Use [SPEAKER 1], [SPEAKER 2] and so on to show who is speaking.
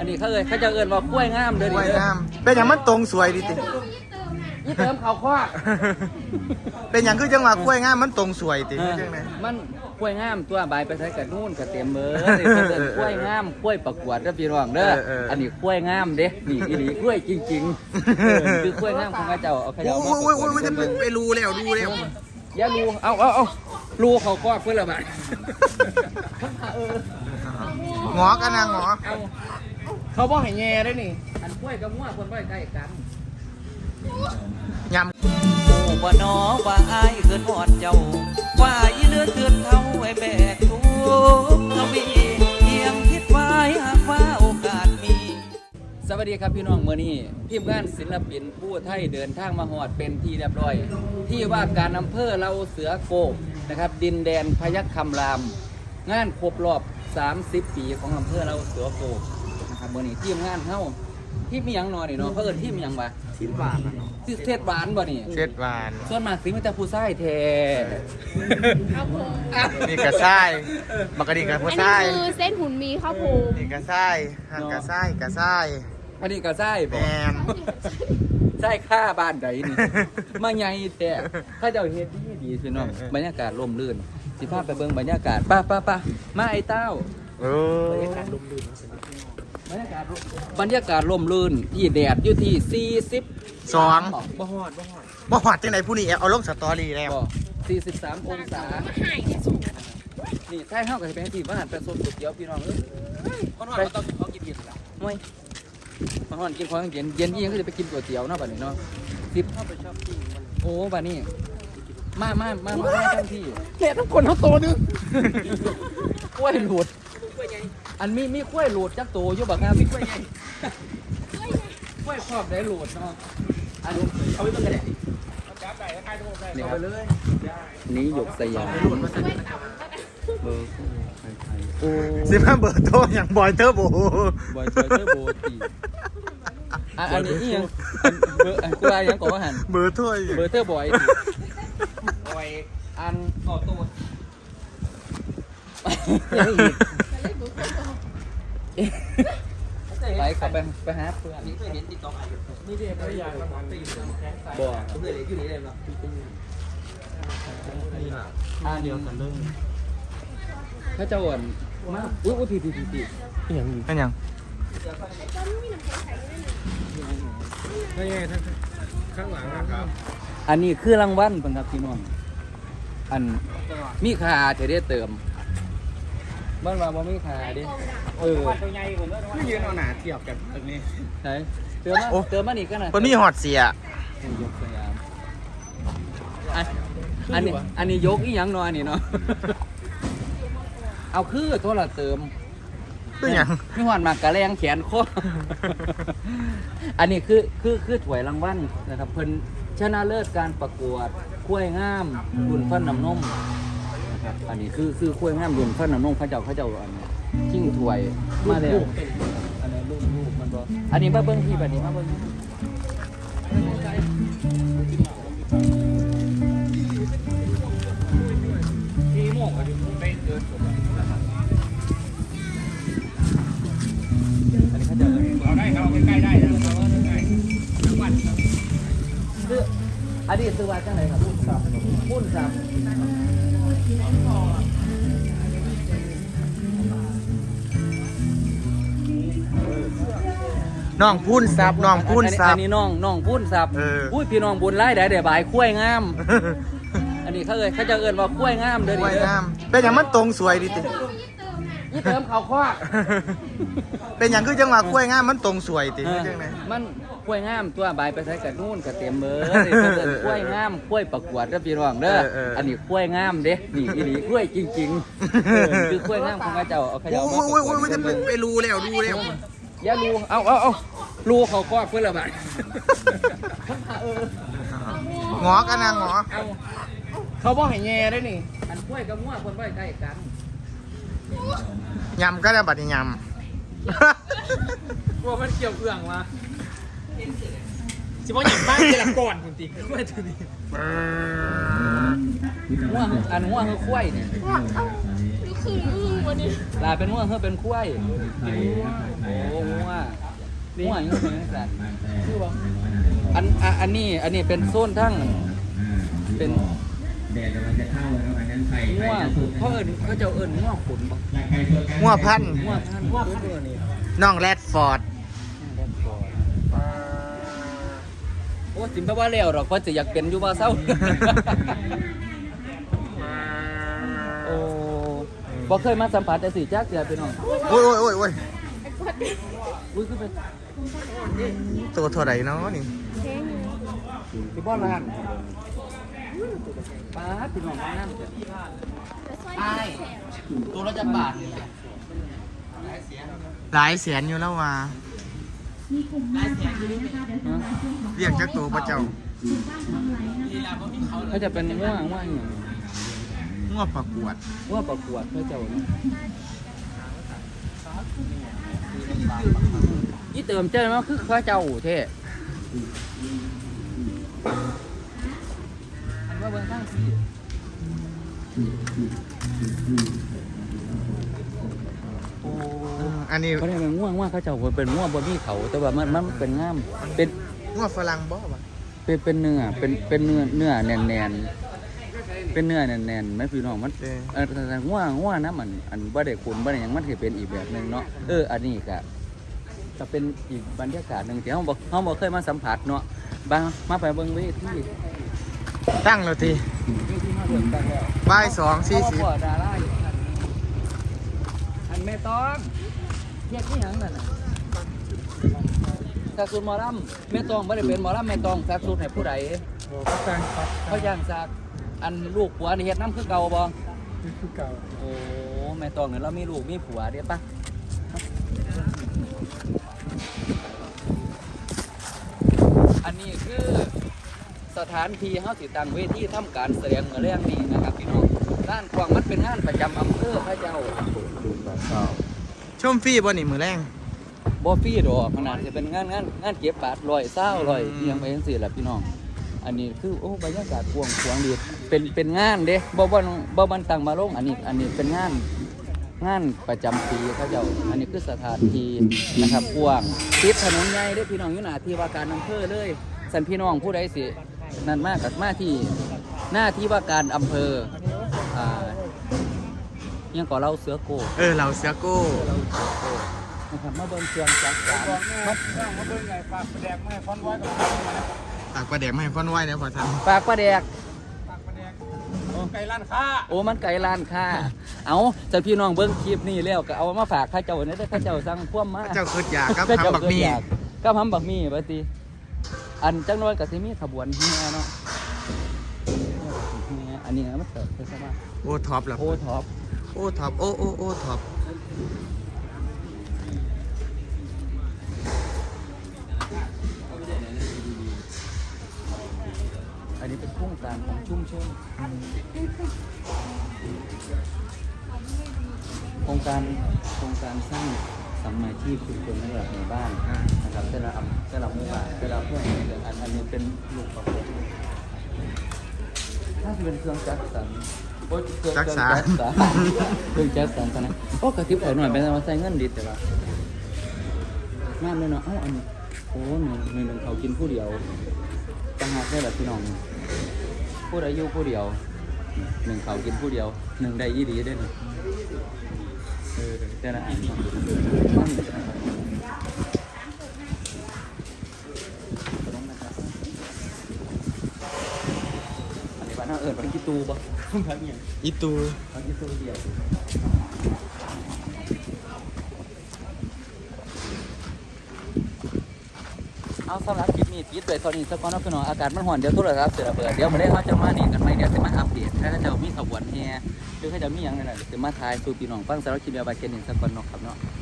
[SPEAKER 1] นี้เขาจะเอิ้นว่าคุ้วยงามเด้อ
[SPEAKER 2] คุ้วย
[SPEAKER 1] นี่
[SPEAKER 2] งามเป็นอย่างมันตรงสวยดิติ
[SPEAKER 1] นี่เติมเขาคว้า
[SPEAKER 2] เป็นอย่างคือจังหวะคุ้วยงามมันตรงสวยติจังได๋
[SPEAKER 1] มันคุ้วยงามตัวใบไปใช้กับนู่นกับเต็มเบอร์นี่เอิ้นคุ้วยงามคุ้วยประกวดเด้อพี่น้องเด้ออันนี้คุ้วยงามเด้นี่อีหลีคุ้วยจริงๆคือคุ้วยงามของเขาเจ้าเอาเขา
[SPEAKER 2] โอ้
[SPEAKER 1] เจ้ามาประกวด
[SPEAKER 2] ยจะไปรู้แล้วดูแล้ว
[SPEAKER 1] อย่ารูเอารูเขาก็เพื่อนละบาท
[SPEAKER 2] หงอกันนะหงอ
[SPEAKER 1] เขาบอกให้แง่ได้นี่อันกล้วยกับมั่วคนบ่ใกล้กัน
[SPEAKER 2] ย
[SPEAKER 1] โอ้บ่นอว่าอายเกินหอดเจ้าว่าอีเลือเกินเท่าไอ้แบกทุกทวีเพียงคิดไว้หากว่าโอกาสมีสวัสดีครับพี่น้องเมื่อนี้ทีมงานศิลปินผู้ไทยเดินทางมาหอดเป็นที่เรียบร้อยที่ว่าการอำเภอเราเสือโกกนะครับดินแดนพยัคฆ์คำรามงานครบรอบ30 ปีของอำเภอเราเสือโกกนะครับเมื่อนี้ทีมงานเฮาที่มีหยังนอนนี่เนาะเขาเอิ้นที่มีหยังบ่ชิ้นหวานที่เทศหวานบ่นี่
[SPEAKER 2] เช็ดหวาน
[SPEAKER 1] ส่วนมากสิมันจะผู้ชายแท้
[SPEAKER 2] นี่กระซ้ายบักกะดีกระผู้
[SPEAKER 3] อัน
[SPEAKER 2] ซ้า
[SPEAKER 3] นี้
[SPEAKER 2] ย
[SPEAKER 3] คือเส้นหุ่นมีข้าวโพด
[SPEAKER 2] นี่กระซ้ายหันกระซ้ายกระซ้าย
[SPEAKER 1] อันนี้ก็ชาย
[SPEAKER 2] แม
[SPEAKER 1] บ่
[SPEAKER 2] น
[SPEAKER 1] ใช่ค่าบ้านใดนี่ มาใหญ่แต่ถ้าเจ้าเฮ็ดดีสิเนาะบรรยากาศร่มรื่นสิพาไปเบิ่งบรรยากาศป้ามาไอ้เต้า
[SPEAKER 2] โอ้
[SPEAKER 1] บรรยากาศร่มรื่นบรรยากาศร่มรื่นที่แดดอยู่ที่40
[SPEAKER 2] สอง
[SPEAKER 1] บ่ฮอด
[SPEAKER 2] บ่หอดจังไหนผู้นี้เอาลงสตอรี่แล้ว
[SPEAKER 1] บ่43องศา
[SPEAKER 3] หายที่สุด
[SPEAKER 1] นี่ใช่เฮาก็สิไปที่บ้านไปสดก๋วยเตี๋ยวพี่น้องเอ้ยคนฮอดต้องเขากินกินล่ะไม่มาฮอดกินของเย็นเย็นอีหยังก็จะไปกินก๋วยเตี๋ยวเนาะบัดนี้เนาะ10เข้าไปชอบกินโอ้บัดนี้มาทันทีแกต้องคนเขาโตนึงกล้วยหลุดอันมีกล้วยหลุดจักโตอยู่บักครับมีกล้วยใหญ่กล้วยครอบได้หลุดเนาะอันนี้เอาไปเบิ่งกันเลยเอาไปเลยนี่หยกสยามเบอร์ไทยโอ้
[SPEAKER 2] สิมาเบอร์โทรอย่างบอยเทอร์โบบ
[SPEAKER 1] อยเตอร์โบตีอันนี้อีหยังเบอร์กูว่ายังก่อนว่าหัน
[SPEAKER 2] เบอร์โทร
[SPEAKER 1] เบอร์เตอร์บอยอันก่อตัวไปขับไปหาเพื่อนนี่เคยเห็นติ๊กต็อกนี่เรียกอะไรอย่างบ่เคยเห็นอยู่นี่เลยเนาะเดียวกันเลยถ้าเจ้าอ่อนมากอุ้ยผิดอย่างนี้
[SPEAKER 2] เป็นยัง
[SPEAKER 4] นี่ไงข้างหลังนะครับ
[SPEAKER 1] อันนี้คือรางวัลเป็นครับพี่น้องอันมีค่าจะได้เติมบ้านเราบ่มีค่าดิ
[SPEAKER 4] ที่ยืนเอาหนาเทียบกันตรงนี้
[SPEAKER 1] ไหนเติมมานี่กันนะ
[SPEAKER 2] คนมีหอดเสีย
[SPEAKER 1] ยกสยามอันนี้ยกอีหยังเนาะอันนี้เนาะเอาคือโทรเติม
[SPEAKER 2] เป็นยัง
[SPEAKER 1] มีหวานมากกะแรงแขนคออันนี้คือถ้วยรางวัลนะครับเพิ่นชนะเลิศการประกวดกล้วยงามรุ่นฟันน้ำนมนะครับอันนี้คือกล้วยงามรุ่นฟันน้ำนมเขาเจ้าอันนี้ชิงถ้วยมาแล้วอันนี้ลูกมันบ่อันนี้มาเบิ่งที่บัดนี้มาเบิ่งที่ม่วงก็อยู่ไปเดินชมอันนี้เขาจะ
[SPEAKER 4] เราได้เราใกล้ๆได้นะเราใกล้ๆจังหวัด
[SPEAKER 1] ซื้ออันนี้ซื้อว่าจังไหนครับปุ้นซับ
[SPEAKER 2] น้องพูนซับน้องพูนซั
[SPEAKER 1] อั
[SPEAKER 2] บ
[SPEAKER 1] นนี้น้องปุ้นซับ
[SPEAKER 2] อุ้
[SPEAKER 1] ยพี่น้องบุญไล่ได้บายคุ้วยงาม อันนี้เขาจะเอิ้นว่าคุ้วยงามเด้อ
[SPEAKER 2] คุ้วย
[SPEAKER 1] นี่
[SPEAKER 2] งามเป็นอย่างมันตรงสวยดิติ
[SPEAKER 1] นี่เติมเขาคว้า
[SPEAKER 2] เป็นอย่างคือจังหวะคุ้วยงามมันตรงสวยติจังได๋
[SPEAKER 1] มันคุ้วยงามตัวใบไปใช้กับนู่นกับเต็มเบอร์นี่เขาเอิ้นคุ้วยงามคุ้วยประกวดเด้อพี่น้องเด้ออันนี้คุ้วยงามเด้นี่อีหลีคุ้วยจริงๆคือคุ้วยงามของเขาเจ้าเอาเขาเจ้ามาประกวด
[SPEAKER 2] จะไปรู้แล้วดูแล้ว
[SPEAKER 1] อย่ารูเอารูเขาก็เพื่อนละบาท
[SPEAKER 2] หงอกันนะหงอ
[SPEAKER 4] เขาบอกให้แง่ได้นี่
[SPEAKER 1] อันกล้วยกับมั่วคนบ่ใกล้กัน
[SPEAKER 2] ยำก็ได้บัดนี้ย
[SPEAKER 4] กลัวมันเกี่ยวเอื้องมาสิบอกอย่างบ้านเจรก่อนจริงๆไม่ถึงนี่
[SPEAKER 2] ำ
[SPEAKER 1] มั่วอันมั่วคือกล้วยเนี่ย
[SPEAKER 3] นี่คือวันนี้
[SPEAKER 1] ลาเป็นมั่วคือเป็นกล้วยโอ้มั่วง่วงอยู่ในสัตว์คือว่าอันนี้เป็นโซนทั้งเป็น
[SPEAKER 5] แดดกำลังจะเข้าแล้วอันนั้นไฟ
[SPEAKER 1] ง่วงเขาจะเอิ้นง่วงขุนบ่
[SPEAKER 2] งัวพันธุ์
[SPEAKER 1] ง่วงพันง่วงตัวนี้
[SPEAKER 2] น้องแรดฟอร์ด
[SPEAKER 1] โอ้สิบ่ว่าแล้วหรอกเพราะจะอยากเป็นอยู่ว่าเศร้าโอ้บ่เคยมาสัมผัสแต่สิจักเทื่อพี่น้อง
[SPEAKER 2] โอ้ยโอ้ยโอ้ยโอ้ย
[SPEAKER 1] อุ้ยคือเป็น
[SPEAKER 2] ตัวเท่าไหร่เนาะนี่
[SPEAKER 1] สิบ่ล้านป้าดพี่น้องน้ำเด้อใช่ตัวละจักบาทนี่
[SPEAKER 2] หลายแสนอยู่แล้วว่าเรียกจักตัวพระเจ้า
[SPEAKER 1] เขาจะเป็นง่วงอย่าง
[SPEAKER 2] งัวประกวด
[SPEAKER 1] ง่วงประกวดเขาเจ้าเนาะยี่เติมเจ้ามันคือข้าเจ้าเท่อันว่าเบิ่งข้างที่โอ้
[SPEAKER 2] อันนี้
[SPEAKER 1] เขาเรียกว่าง่วงเขาเจ้าเป็นง่วงบนที่เขาแต่ว่ามันเป็นง่ามเป็น
[SPEAKER 2] งัวฝรั่งบ่วะ
[SPEAKER 1] เป็นเนื้อเป็นเนื้อแน่นเป็นเนื้อแน่นๆไหมพี่น้องมันแต่ง่วนะมันอันบ่ได้ขุนบ่ได้หยังมันสิเป็นอีกแบบนึงเนาะอันนี้ก็เป็นอีกบรรยากาศนึงที่เฮาบ่เคยมาสัมผัสเนาะมาไปเบิ่งเวที
[SPEAKER 2] ตั้งแล้วที
[SPEAKER 1] มาเบิ่งกันแล้ว
[SPEAKER 2] บ่าย2:40
[SPEAKER 1] ดาราอยู่อันแม่ต้องเรียกที่หยังนั่นน่ะสักสุดหมอลำแม่ต้องบ่ได้เป็นหมอลำแม่ต้องสักสุดให้ผู้ใด
[SPEAKER 4] ก็สร้างครับ
[SPEAKER 1] เขาย่างสักอันลูกผัวนี่เฮ็ดน้ำคือเก่าบ่
[SPEAKER 4] คือเก่า
[SPEAKER 1] โอ้แม่ต้องเนี่ยเรามีลูกมีผัวเดี๋ยวปะอันนี้คือสถานที่เฮาสิตั้งเวทีทำการแสดงเมื่อแรงนี้นะครับพี่น้องด้านกว้างมันเป็นงานประจำอำเภอพระเจ้า
[SPEAKER 2] ชมฟรีบ่นี่มื้อแรง
[SPEAKER 1] บ่ฟรีดอกขนาดจะเป็นงานเก็บบาท120 100เอียงไปจังซี่ล่ะพี่น้องอันนี้คือโอ้บรรยากาศกว้างดีเป็นงานเด้บ่มันตั้งมาลงอันนี้เป็นงานประจำปีเขาเจ้าอันนี้คือสถานที่นะครับกว้างติดถนนใหญ่เด้อพี่น้องอยู่หน้าที่ว่าการอำเภอเลยสันพี่น้องผู้ใดสินั่นมากกับมาที่หน้าที่ว่าการอำเภอยังก่อเราเสือโก
[SPEAKER 2] เราเสือโก้
[SPEAKER 1] นะครับมาเบิ่งเครื่องจักรสานมา
[SPEAKER 4] มาเบิ่งไงฝากแดกมาให้ฟอนไว้กับ
[SPEAKER 2] ตากปลาแดกมาให้ฟ้อนไว้แล้วพอทัน
[SPEAKER 1] ฝากปลาแดก
[SPEAKER 4] ฝากแดกไก่ร้านค้า
[SPEAKER 1] โอ้มันไก่ร้านค้าเอาแต่พี่น้องเบิ่งคลิปนี้แล้วก็เอามาฝากข้าเจ้าเนี่ยได้ข้าเจ้าสั่งพ่วมมา
[SPEAKER 2] เจ้าคืออยากกับ
[SPEAKER 1] ข้าเจ้า
[SPEAKER 2] ทำบักมี่
[SPEAKER 1] ก็ทำบักมี่บัดนี้อันจังน้อยก็สิมีขบวนเฮียเนาะอันนี้มันเกิดขึ้นซะว่า
[SPEAKER 2] โอ้ท็อปล่ะ
[SPEAKER 1] โอ้ท็อป
[SPEAKER 2] โอ้ท็อปโอ้ท็อป
[SPEAKER 1] อันนี้เป็นโครงการของชุมชนโครงการสร้างสัมมาชีพชุมชนในระดับหมู่บ้านนะครับแต่ละหมู่บ้านแต่ละเพื่อนอันนี้เป็นลูกประกอบถ้าจะเป็นเครื่องจักรสานเครื่องจักรสานตอนนั้นโอ้กระติบเอาหน่อยเป็นว่าใส่เงินดีแต่ว่างานเลยเนาะอันนี้โอ้หนึ่งเขากินผู้เดียวต่างหากได้แบบพี่น้องผู้ใดอยู่ผู้เดียวหนึ่งเขากินผู้เดียวหนึ่งได้ยี่ดีได้เลยแต่ละอันอันนี้บ้านน่าพันกิตูปะพันเนี่ย
[SPEAKER 2] อีตู
[SPEAKER 1] พันกิตูเดียวเอาสำหรับคลิปนี้ปิดไว้ตอนนี้สักก่อนนะพี่น้องอากาศมันร้อนเดี๋ยวโทรศัพท์เสียระเบิดเดี๋ยวมาได้เขาจะมานี่กันไหมเดี๋ยวจะมาอัปเดตถ้าจะมีขบวนแห่หรือเขาจะมีอย่างนั้นเดี๋ยวจะมาถ่ายสู่พี่น้องฟังสำหรับคลิปเดียวไปเจนหนึ่งสักก่อนเนาะครับเนาะ